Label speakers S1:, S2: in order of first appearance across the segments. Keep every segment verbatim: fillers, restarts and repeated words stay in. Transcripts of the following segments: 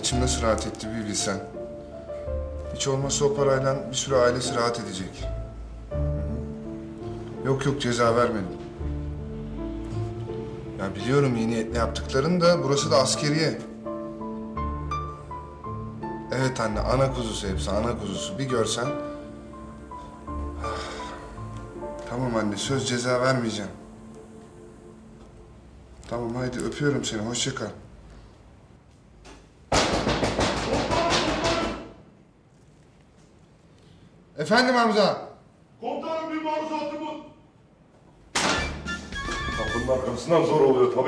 S1: içim nasıl rahat etti bir bilsen. Hiç olmazsa o parayla bir sürü ailesi rahat edecek. Hı hı. Yok yok, ceza vermedim. Ya biliyorum iyi niyetle yaptıklarını da, burası da askeriye. Evet anne, ana kuzusu hepsi, ana kuzusu. Bir görsen... Tamam anne, söz ceza vermeyeceğim. Tamam haydi, öpüyorum seni, hoşça kal. Efendim Hamza?
S2: Komutanım bir maruzatımı... Kapının arkasından zor oluyor tabii.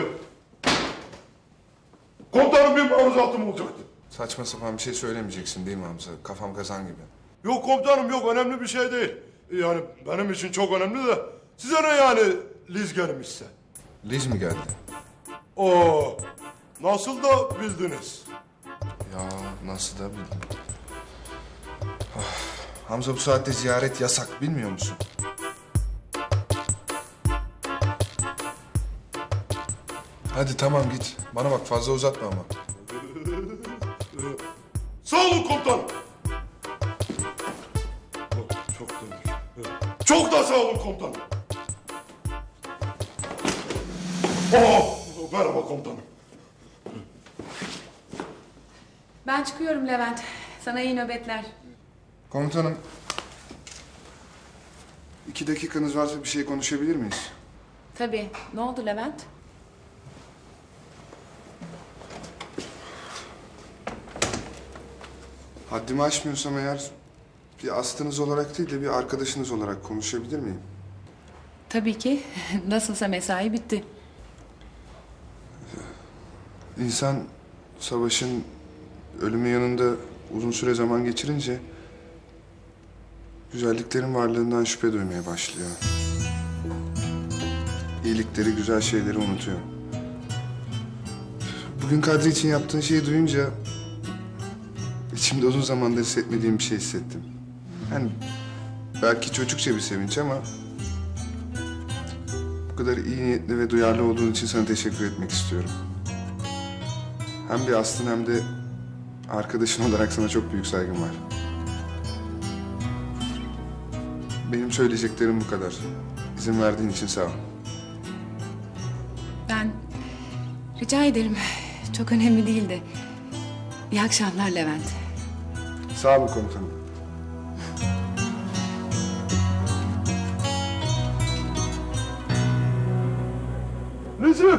S2: Komutanım bir maruzatım olacaktı.
S1: Saçma sapan bir şey söylemeyeceksin değil mi Hamza? Kafam kazan gibi.
S2: Yok komutanım yok, önemli bir şey değil. Yani benim için çok önemli de size ne yani Liz gelmişse?
S1: Liz mi geldi?
S2: Oo, nasıl da bildiniz?
S1: Ya nasıl da bildim. Ah, Hamza, bu saatte ziyaret yasak, bilmiyor musun? Hadi tamam git. Bana bak, fazla uzatma ama.
S2: Sağ olun komutanım. Oh, çok da, çok da sağ olun komutanım. Oh, merhaba komutanım.
S3: Ben çıkıyorum Levent. Sana iyi nöbetler.
S1: Komutanım. İki dakikanız varsa bir şey konuşabilir miyiz?
S3: Tabii. Ne oldu Levent?
S1: Haddimi aşmıyorsam eğer, bir astınız olarak değil de bir arkadaşınız olarak konuşabilir miyim?
S3: Tabii ki. Nasılsa mesai bitti.
S1: İnsan savaşın, ölümün yanında uzun süre zaman geçirince güzelliklerin varlığından şüphe duymaya başlıyor. İyilikleri, güzel şeyleri unutuyor. Bugün Kadri için yaptığın şeyi duyunca içimde uzun zamandır hissetmediğim bir şey hissettim. Yani belki çocukça bir sevinç ama bu kadar iyi niyetli ve duyarlı olduğun için sana teşekkür etmek istiyorum. Hem bir aslın hem de arkadaşın olarak sana çok büyük saygım var. Benim söyleyeceklerim bu kadar. İzin verdiğin için sağ ol.
S3: Ben rica ederim. Çok önemli değildi. İyi akşamlar Levent.
S1: Sağ olun komutanım.
S2: Liz'i!